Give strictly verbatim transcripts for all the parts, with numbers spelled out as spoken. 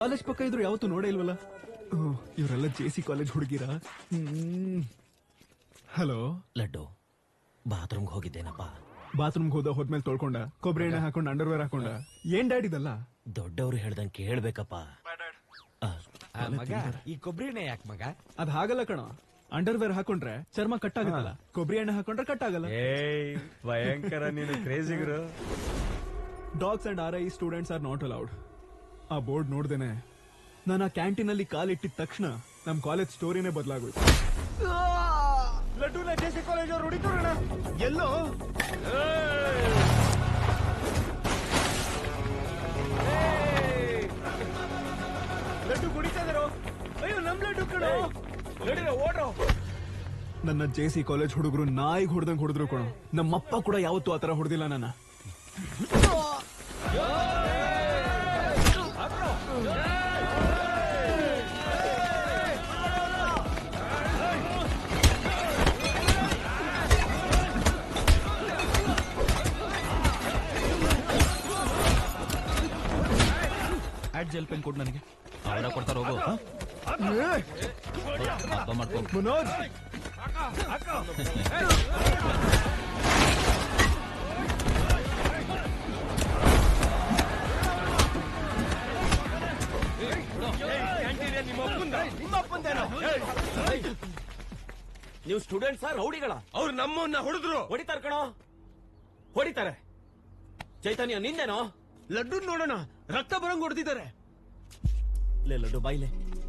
College ಪಕ್ಕ ಇದ್ರು ಯಾವತ್ತೂ ನೋಡೇ ಇಲ್ವಲ್ಲ. ಇವರೆಲ್ಲ ಜೆ ಸಿ ಕಾಲೇಜ್ ಹುಡುಗಿರ. ಹಲೋ ಲಡ್ಡು, ಬಾತ್ರೂಮ್ಗೆ ಹೋಗಿದ್ದೇನಪ್ಪ. ಬಾತ್ರೂಮ್ಗೆ ಹೋದ ಹೋದ್ಮೇಲೆ ತೊಳ್ಕೊಂಡ, ಕೊಬ್ಬರಿ ಎಣ್ಣೆ ಹಾಕೊಂಡ್ ಅಂಡರ್ವೇರ್ ಹಾಕೊಂಡ. ಏನ್ ಡ್ಯಾಡ್ ಇದಲ್ಲ? ದೊಡ್ಡವ್ರು ಹೇಳ್ದಂಗೆ ಕೇಳ್ಬೇಕಪ್ಪ. ಮಗ ಈ ಕೊಬ್ಬರಿ ಎಣ್ಣೆ ಯಾಕೆ ಮಗ? ಅದ್ ಹಾಗಲ್ಲ ಕಣ. ಅಂಡರ್ವೇರ್ ಹಾಕೊಂಡ್ರೆ ಚರ್ಮ ಕಟ್ ಆಗಲ್ಲ, ಕೊಬ್ಬರಿ ಎಣ್ಣೆ ಹಾಕೊಂಡ್ರೆ ಕಟ್ ಆಗಲ್ಲ. ಭಯಂಕರ ನೀನು ಕ್ರೇಜಿಗರು. Dogs and are I students are not allowed. ಆ ಬೋರ್ಡ್ ನೋಡ್ದೇನೆ ನಾನು ಆ ಕ್ಯಾಂಟೀನ್ ಅಲ್ಲಿ ಕಾಲಿಟ್ಟಿದ ತಕ್ಷಣ ನಮ್ ಕಾಲೇಜ್ ಸ್ಟೋರಿನೇ ಬದಲಾಗೋಯ್ತು. ಲಡ್ಡುನ ಜೆಸಿ ಕಾಲೇಜ್ ಅವ್ರು ಹೊಡಿತಾರಣ. ಎಲ್ಲೋ ಲಡ್ಡು ಕುಡಿತಾ ಇದಾರೋ? ಅಯ್ಯೋ ನಮ್ ಲಡ್ಡು ಕಣೋ. ನಡೀರೋ ಓಡ್ರೋ. ನನ್ನ ಜೆ ಸಿ ಕಾಲೇಜ್ ಹುಡುಗರು ನಾಯಿಗೆ ಹೊಡೆದಂಗ್ ಹೊಡೆದ್ರು ಕಣೋ. ನಮ್ಮಪ್ಪ ಕೂಡ ಯಾವತ್ತೂ ಆತರ ಹೊಡೆದಿಲ್ಲ ನನ್ನ. ಜೆಲ್ ಪೆನ್ ಕೊಡ್ ನನಗೆ. ಅವರ ಕೊಡ್ತಾರ ಹೋಗು. ಮಾಡ್ಕೊ ಮನೋಜ್, ನೀವು ಸ್ಟೂಡೆಂಟ್ಸ್ ರೌಡಿಗಳ? ಅವ್ರು ನಮ್ಮನ್ನ ಹೊಡೆದ್ರು. ಹೊಡಿತಾರ ಕಣೋ, ಹೊಡಿತಾರೆ. ಚೈತನ್ಯ ನಿಂದೇನೋ? ಲಡ್ಡು ನೋಡೋಣ, ರಕ್ತ ಬರಂಗ್ ಹೊಡೆದಿದ್ದಾರೆ. ಲೇ ಲಡ್ಡು ಬಾಯ್ಲೆ.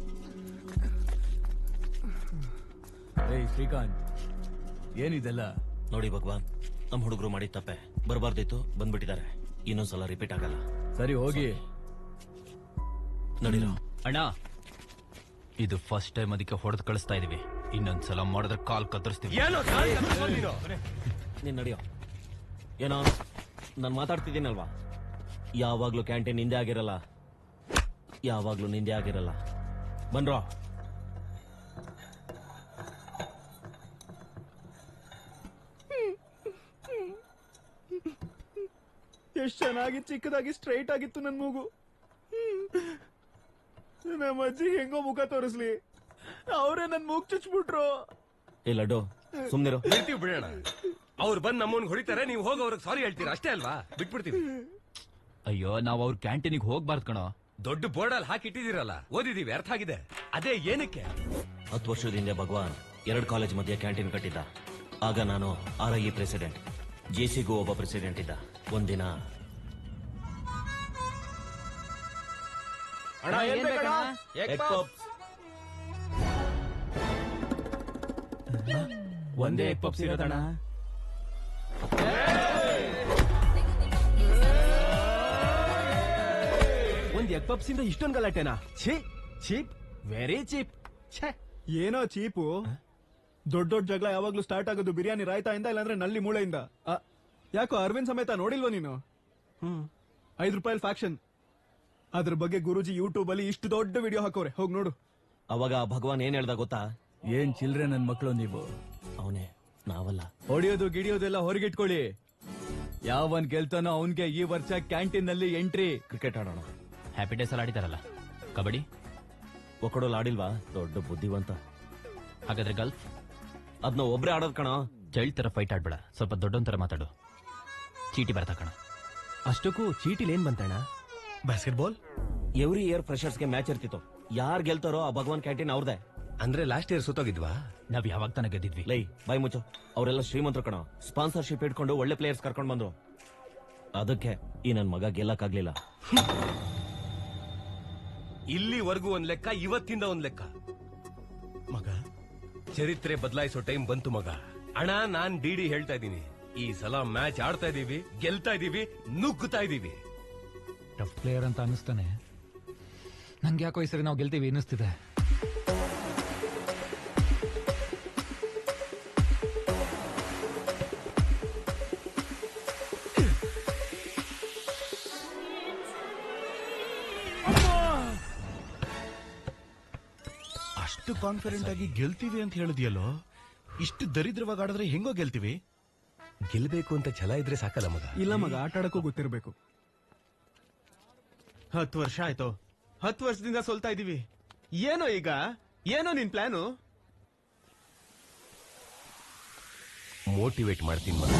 ಏಯ್ ಶ್ರೀಕಾಂತ್, ಏನಿದೆಲ್ಲ? ನೋಡಿ ಭಗವಾನ್, ನಮ್ ಹುಡುಗರು ಮಾಡಿದ ತಪ್ಪೆ. ಬರಬಾರ್ದಿತ್ತು, ಬಂದ್ಬಿಟ್ಟಿದ್ದಾರೆ. ಇನ್ನೊಂದ್ಸಲ ರಿಪೀಟ್ ಆಗಲ್ಲ. ಸರಿ ಹೋಗಿ ನಡೀರೋ. ಅಣ್ಣ, ಇದು ಫಸ್ಟ್ ಟೈಮ್ ಅದಕ್ಕೆ ಹೊಡೆದು ಕಳಿಸ್ತಾ ಇದೀವಿ. ಇನ್ನೊಂದ್ಸಲ ಮಾಡಿದ್ರೆ ಕಾಲ್ ಕತ್ತರಿಸ್ತೀವಿ. ನೀನ್ ನಡಿಯೋ. ಏನೋ ನಾನ್ ಮಾತಾಡ್ತಿದ್ದೀನಲ್ವಾ? ಯಾವಾಗ್ಲೂ ಕ್ಯಾಂಟೀನ್ ನಿಂದೆ ಆಗಿರಲ್ಲ, ಯಾವಾಗ್ಲೂ ನಿಂದೆ ಆಗಿರಲ್ಲ. ಬನ್ರೋ. ಎಷ್ಟ್ ಚೆನ್ನಾಗಿ ಚಿಕ್ಕದಾಗಿ ಸ್ಟ್ರೈಟ್ ಆಗಿತ್ತು ನನ್ ಮೂಗು. ನಮ್ಮ ಅಜ್ಜಿ ಹೆಂಗೋ ಮುಖ ತೋರಿಸ್ಲಿ, ಅವರೇ ನನ್ ಮೂಗ್ ಚುಚ್ಬಿಟ್ರು. ಏ ಲಡ್ಡು, ಸುಮ್ನಿರು. ಬಿಡ್ತೀವಿ ಬಿಡೋಣ. ಅವ್ರು ಬಂದ್ ನಮ್ಮನ್ ಹೊಡಿತಾರೆ, ನೀವು ಹೋಗಿ ಅವ್ರಿಗೆ ಸಾರಿ ಹೇಳ್ತೀರಾ ಅಷ್ಟೇ ಅಲ್ವಾ? ಬಿಟ್ಬಿಡ್ತೀವಿ. ಅಯ್ಯೋ, ನಾವ್ ಅವ್ರ ಕ್ಯಾಂಟೀನಿಗೆ ಹೋಗ್ಬಾರ್ದು ಕಣೋ. ದೊಡ್ಡ ಬೋರ್ಡ್ ಅಲ್ಲಿ ಹಾಕಿಟ್ಟಿದ್ದೀರಲ್ಲ, ಓದಿದೀವಿ, ಅರ್ಥ ಆಗಿದೆ. ಅದೇ ಏನಕ್ಕೆ? ಹತ್ತು ವರ್ಷದ ಹಿಂದೆ ಭಗವಾನ್ ಎರಡ್ ಕಾಲೇಜ್ ಮಧ್ಯೆ ಕ್ಯಾಂಟೀನ್ ಕಟ್ಟಿದ್ದ. ಆಗ ನಾನು ಆರ್ ಐ ಪ್ರೆಸಿಡೆಂಟ್, ಜೆಸಿಗೂ ಒಬ್ಬ ಪ್ರೆಸಿಡೆಂಟ್ ಇದ್ದ. ಒಂದಿನ ಒಂದೇ ಎಗ್ ಪಪ್ಸ್ ಇರೋದಣ್ಣ. ಒಂದ್ ಎಗ್ ಪಪ್ಸ್ ಇಂದ ಇಷ್ಟೊಂದು ಗಲಾಟೆನಾ? Cheap, very cheap. ಏನೋ ಚೀಪು. ದೊಡ್ಡ ದೊಡ್ಡ ಜಗಳ ಯಾವಾಗ್ಲೂ ಸ್ಟಾರ್ಟ್ ಆಗೋದು ಬಿರಿಯಾನಿ ರಾಯ್ತಾಯಿಂದ, ಇಲ್ಲಾಂದ್ರೆ ನಲ್ಲಿ ಮೂಳೆಯಿಂದ. ಯಾಕೋ ಅರವಿಂದ್ ಸಮೇತ ನೋಡಿಲ್ವ ನೀನು? ಐದು ರೂಪಾಯಿ ಫ್ಯಾಕ್ಷನ್. ಅದ್ರ ಬಗ್ಗೆ ಗುರುಜಿ ಯೂಟ್ಯೂಬ್ ಅಲ್ಲಿ ಇಷ್ಟು ದೊಡ್ಡ ವಿಡಿಯೋ ಹಾಕೋರೆ, ಹೋಗ್ ನೋಡು. ಅವಾಗ ಭಗವಾನ್ ಏನ್ ಹೇಳ್ದ ಗೊತ್ತಾ? ಏನ್ ಚಿಲ್ರೆ ನನ್ ಮಕ್ಕಳು ನೀವು. ಅವನೇ, ನಾವಲ್ಲ. ಹೊಡಿಯೋದು ಗಿಡಿಯೋದೆಲ್ಲ ಹೊರಗಿಟ್ಕೊಳ್ಳಿ. ಯಾವನ್ ಗೆಲ್ತಾನೋ ಅವನ್ಗೆ ಈ ವರ್ಷ ಕ್ಯಾಂಟೀನ್ ನಲ್ಲಿ ಎಂಟ್ರಿ. ಕ್ರಿಕೆಟ್ ಆಡೋಣ. ಹ್ಯಾಪಿ ಡೇಸ್ ಅಲ್ಲಿ ಆಡಿದಾರಲ್ಲ. ಕಬಡ್ಡಿ ಒಕ್ಕಡೋಲ್ ಆಡಿಲ್ವಾ? ದೊಡ್ಡ ಬುದ್ಧಿವಂತ. ಹಾಗಾದ್ರೆ ಗಲ್ಫ್ ಅದ್ನ ಒಬ್ರೇ ಆಡೋದ್ ಕಣ. ಚೈಲ್ಡ್ ತರ ಫೈಟ್ ಆಡ್ಬೇಡ, ಸ್ವಲ್ಪ ದೊಡ್ಡೊಂದ್ ತರ ಮಾತಾಡು. ಚೀಟಿ ಬರ್ತಾ ಕಣ. ಅಷ್ಟಕ್ಕೂ ಚೀಟಿಲ್ ಏನ್ ಬಂತಣ್ಣ? ಬಾಸ್ಕೆಟ್ಬಾಲ್. ಎವ್ರಿ ಇಯರ್ ಫ್ರೆಶರ್ಸ್ಗೆ ಮ್ಯಾಚ್ ಇರ್ತಿತ್ತು. ಯಾರ್ ಗೆಲ್ತಾರೋ ಆ ಭಗವಾನ್ ಕ್ಯಾಂಟೀನ್ ಅವ್ರದೇ. ಅಂದ್ರೆ ಲಾಸ್ಟ್ ಇಯರ್ ಸುತ್ತೋಗಿದ್ವಾ? ನಾವ್ ಯಾವಾಗ ತಾನ ಗೆದ್ದಿದ್ವಿ. ಲೈ ಬಾಯ್ ಮುಚ್ಚು. ಅವರೆಲ್ಲ ಶ್ರೀಮಂತರು ಕಣ. ಸ್ಪಾನ್ಸರ್ಶಿಪ್ ಇಟ್ಕೊಂಡು ಒಳ್ಳೆ ಪ್ಲೇಯರ್ಸ್ ಕರ್ಕೊಂಡ್ ಬಂದ್ರು. ಅದಕ್ಕೆ ಈ ನನ್ ಮಗ ಗೆಲ್ಲಕ್ಕಾಗ್ಲಿಲ್ಲ. ಇಲ್ಲಿವರೆಗೂ ಒಂದ್ ಲೆಕ್ಕ, ಇವತ್ತಿಂದ ಒಂದ್ ಲೆಕ್ಕ. ಮಗ, ಚರಿತ್ರೆ ಬದಲಾಯಿಸೋ ಟೈಮ್ ಬಂತು ಮಗ. ಅಣ್ಣ, ನಾನ್ ಡಿಡಿ ಹೇಳ್ತಾ ಇದ್ದೀನಿ, ಈ ಸಲ ಮ್ಯಾಚ್ ಆಡ್ತಾ ಇದೀವಿ, ಗೆಲ್ತಾ ಇದೀವಿ, ನುಗ್ಗುತ್ತಾ ಇದೀವಿ. ಟಫ್ ಪ್ಲೇಯರ್ ಅಂತ ಅನಿಸ್ತಾನೆ. ನಂಗೆ ಯಾಕೋ ಈ ಸರಿ ನಾವು ಗೆಲ್ತೀವಿ ಅನ್ನಿಸ್ತಿದೆ. ಅಷ್ಟು ಕಾನ್ಫಿಡೆಂಟ್ ಆಗಿ ಗೆಲ್ತೀವಿ ಅಂತ ಹೇಳಿದ್ಯಲ್ಲೋ, ಇಷ್ಟು ದರಿದ್ರವಾಗಿ ಆಡಿದ್ರೆ ಹೆಂಗೋ ಗೆಲ್ತೀವಿ? ಗೆಲ್ಬೇಕು ಅಂತ ಛಲ ಇದ್ರೆ ಸಾಕಲ್ಲ ಮಗ. ಇಲ್ಲ ಮಗ, ಆಟ ಆಡಕ್ಕೂ ಗೊತ್ತಿರ್ಬೇಕು. ಹತ್ತು ವರ್ಷ ಆಯ್ತು, ಹತ್ತು ವರ್ಷದಿಂದ ಸೋಲ್ತಾ ಇದೀವಿ. ಏನೋ ಈಗ ಏನೋ ನಿನ್ ಪ್ಲಾನು? ಮೋಟಿವೇಟ್ ಮಾಡ್ತೀನಿ ಮಗ.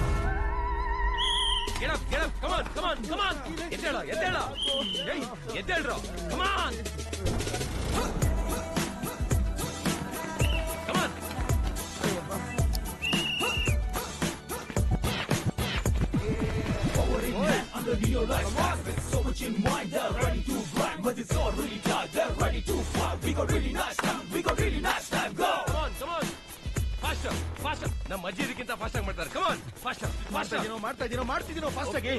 Get up, get up, come on, come on, come on. ಎದ್ದೇಳ, ಎದ್ದೇಳ. ಏಯ್, ಎದ್ದೇಳ್ರೋ. Come on. Come on. Come on, come on. Faster, faster. ನಮ್ಮ ಅಜ್ಜಿದಕ್ಕಿಂತ ಫಾಸ್ಟ್ ಆಗಿ ಮಾಡ್ತಾರೆ. Come on, faster, faster. ಮಾಡ್ತಾ ಇದೀನೋ ಮಾಡ್ತಿದ್ದೀನೋ ಫಾಸ್ಟ್ ಆಗಿ.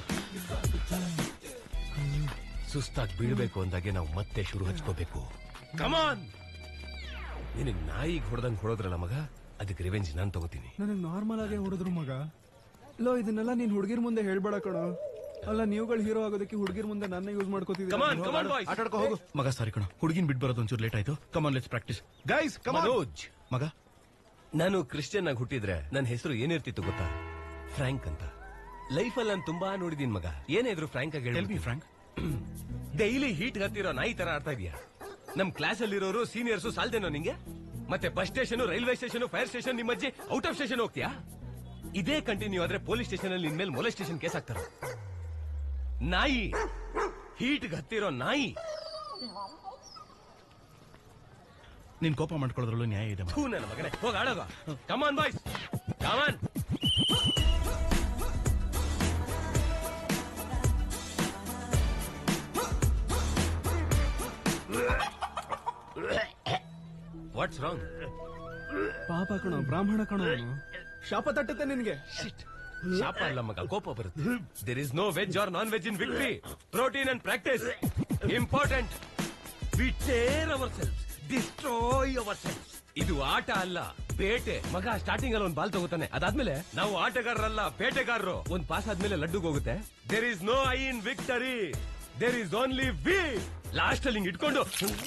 ಸುಸ್ತಾಗಿ ಬೀಳ್ಬೇಕು ಅಂದಾಗೆ ನಾವು ಮತ್ತೆ ಶುರು ಹಚ್ಕೋಬೇಕು. ಕಮಾನ್. ನಿನಗ್ ನಾಯಿಗೆ ಹೊಡೆದಂಗ್ ಹೊಡೋದ್ರಲ್ಲ ಮಗ, ಅದಕ್ಕೆ ರಿವೆಂಜ್ ನಾನ್ ತಗೋತೀನಿ. ನನಗ್ ನಾರ್ಮಲ್ ಆಗೇ ಹೊಡೆದ್ರು ಮಗ. ಲೋ ಇದನ್ನೆಲ್ಲ ನೀನ್ ಹುಡುಗಿರ್ ಮುಂದೆ ಹೇಳ್ಬೇಡ ಕಣೋ. ಅಲ್ಲ ನೀವುಗಳು ಹೀರೋ ಆಗೋದಕ್ಕೆ ಹುಡುಗಿರ್ ಮುಂದೆ ನನ್ನ ಯೂಸ್ ಮಾಡ್ಕೋತಿದ್ದೀರಾ. ಕಮಾನ್, ಕಮಾನ್ ಬಾಯ್ಸ್. ಆಟ ಆಡ್ಕೋ ಹೋಗು. ಮಗ ಸಾರಿ ಕಣ, ಹುಡುಗಿನ್ ಬಿಟ್ ಬರೋದು ಒಂಚೂರು ಲೇಟ್ ಆಯ್ತು. Come on let's practice guys. Come on Manoj, ಮಗ. ನಾನು ಕ್ರಿಶ್ಚಿಯನ್ ಆಗಿ ಹುಟ್ಟಿದ್ರೆ ನನ್ನ ಹೆಸರು ಏನಿರ್ತಿತ್ತು ಗೊತ್ತಾ? ಫ್ರಾಂಕ್ ಅಂತ. ಲೈಫಲ್ಲಿ ನಾನು ತುಂಬಾ ನೋಡಿದೀನಿ ಮಗ. ಏನೇ ಇದ್ರು ಫ್ರಾಂಕ್ ಆಗಿ tell me frank. Daily heat ಹತ್ತಿರೋ ನಾಯಿ ತರ ಆಡ್ತಾ ಇದೀಯಾ. ನಮ್ ಕ್ಲಾಸ್ ಅಲ್ಲಿರೋರು ಸೀನಿಯರ್ಸ್ ಸಾಲ್ದೇನೋ ನಿಂಗೆ? ಮತ್ತೆ bus station, railway station, fire station ನಿಮ್ಮ ಅಜ್ಜಿ ಔಟ್ ಆಫ್ ಸ್ಟೇಷನ್ ಹೋಗ್ತೀಯಾ? ಇದೇ ಕಂಟಿನ್ಯೂ ಆದ್ರೆ ಪೊಲೀಸ್ ಸ್ಟೇಷನ್ ಅಲ್ಲಿ ನಿನ್ ಮೇಲೆ ಮೊಲೆ ಸ್ಟೇಷನ್ ಕೇಸ್ ಹಾಕ್ತಾರ. ನಾಯಿ, ಹೀಟ್ ಹತ್ತಿರೋ ನಾಯಿ. ನೀನ್ ಕೋಪ ಮಾಡ್ಕೊಳ್ಳೋದ್ರಲ್ಲೂ ನ್ಯಾಯ ಇದೆ. ಥೂ ನನ್ನ ಮಗನೇ, ಹೋಗ ಆಡೋಗ. Come on boys, come on. What's wrong? ಪಾಪ ಕಣೋ, ಬ್ರಾಹ್ಮಣ ಕಣೋ ಅವನು. ಶಾಪ ತಟ್ಟುತ್ತೆ ನಿನ್ಗೆ. ಶಾಪ ಅಲ್ಲ ಮಗ, ಕೋಪ ಬರುತ್ತೆ. There is no veg or non veg in victory. Protein and practice important. We tear our cells, destroy our cells. ಇದು ಆಟ ಅಲ್ಲ, ಬೇಟೆ. ಮಗ ಸ್ಟಾರ್ಟಿಂಗ್ ಅಲ್ಲಿ ಒಂದ್ ಬಾಲ್ ತಗೋತಾನೆ, ಅದಾದ್ಮೇಲೆ ನಾವು ಆಟಗಾರರಲ್ಲ, ಬೇಟೆಗಾರರು. ಒಂದ್ ಪಾಸ್ ಆದ್ಮೇಲೆ ಲಡ್ಡುಗ್ ಹೋಗುತ್ತೆ. There is no I in victory, there is only we. Last ಅಲ್ಲಿ ಹಿಂಗ್ ಇಟ್ಕೊಂಡು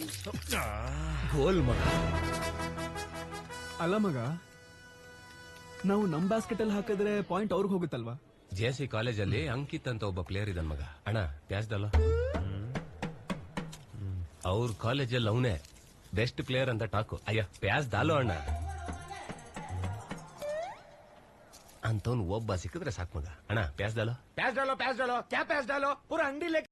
ಗೋಲ್ ಮಗ. ಅಲ್ಲ ಮಗ, ನಾವು ನಮ್ ಬಾಸ್ಕೆಟ್ ಅಲ್ಲಿ ಹಾಕಿದ್ರೆ ಪಾಯಿಂಟ್ ಅವ್ರಿಗೆ ಹೋಗುತ್ತಲ್ವಾ? ಜೆ ಸಿ ಕಾಲೇಜಲ್ಲಿ ಅಂಕಿತ್ ಅಂತ ಒಬ್ಬ ಪ್ಲೇಯರ್ ಇದ್ದಾನ ಮಗ. ಅಣ್ಣ ಪ್ಯಾಸ್ದಲ್ಲ, ಅವ್ರ ಕಾಲೇಜಲ್ಲಿ ಅವನೇ ಬೆಸ್ಟ್ ಪ್ಲೇಯರ್ ಅಂತ ಟಾಕು. ಅಯ್ಯ ಪ್ಯಾಸ್ ದಾಲೋ ಅಣ್ಣ. ಅಂತವ್ನು ಒಬ್ಬ ಸಿಕ್ಕಿದ್ರೆ ಸಾಕು ಮಗ. ಅಣ್ಣ ಪ್ಯಾಸ್ ದಾಲೋ, ಪ್ಯಾಸ್ ಡಾಲೋ, ಪ್ಯಾಸ್ ಡಾಲೋ, ಕ್ಯಾ ಪ್ಯಾಸ್ ಡಾಲೋ, ಪೂರ ಅಂಗಡಿ